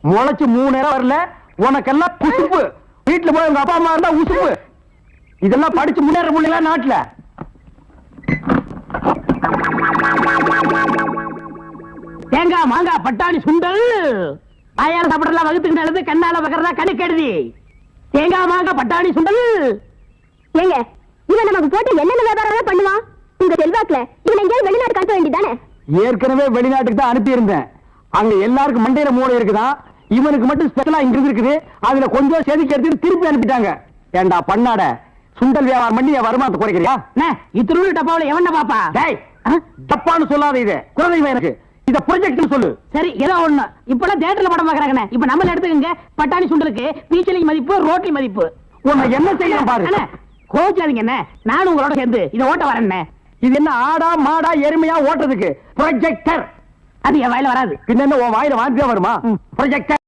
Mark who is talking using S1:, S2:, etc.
S1: முளைச்சு 3 நேரம் வரல, உனக்கெல்லாம் குசுப்பு. வீட்டுல போய் உங்க அப்பா அம்மா இருந்தா உசுப்பு. இதெல்லாம் படிச்சு முன்னேற முடியல நாட்டுல.
S2: தேங்காய் மாங்காய் பட்டாணி சுண்டல் ஆயார சாப்பிடலாம், வகுத்துக்கு நல்லது, கண்ணால பக்கறதா கணக்கு எழுதி. தேங்காய் மாங்காய் பட்டாணி சுண்டல்.
S3: ஏங்க இவன் நமக்கு போட்டு என்னென்ன வியாபாரம் பண்ணுவான்? உங்க செல்வாக்குல இவன் எங்கேயாவது வெளிநாடு காட்ட வேண்டியதானே?
S1: ஏற்கனவே வெளிநாட்டுக்கு தான் அனுப்பி இருந்தேன். அங்க எல்லாருக்கும் மண்டையில மூளை இருக்குதான், இவனுக்கு மட்டும் ஸ்பெஷலா இங்க இருக்குது. அதுல கொஞ்சம் செதுக்கி எடுத்து திருப்பி அனுப்பிட்டாங்க. ஏண்டா பண்ணாட, சுண்டல் வியாபாரம் பண்ணி என் வருமானத்தை குறைக்கிறியா?
S2: இத்திருள் டப்பாவில எவன பாப்பா?
S1: டேய், தப்பான்னு சொல்லாத. இது குழந்தைங்க எனக்கு இத ப்ரொஜெக்ட் சொல்லு.
S2: சரி ஏதோ ஒண்ணு. இப்பெல்லாம் தியேட்டர்ல படம் பாக்குறாங்க. இப்ப நம்மள எடுத்துக்கங்க. பட்டாணி சுண்டலுக்கு பீச்சலிங் மதிப்பு, ரோட்டி மதிப்பு.
S1: உன்னை என்ன செய்யணும் பாரு.
S2: கோச்சாதீங்க என்ன, நானும் உங்களோட சேர்ந்து இதை ஓட்ட வரேன்.
S1: இது என்ன ஆடா மாடா எருமையா ஓட்டுறதுக்கு ப்ரொஜெக்டர்?
S2: அது என் வாயில வராது.
S1: பின்ன உன் வாயில வாந்தியா வருமா? ப்ரொஜெக்டர்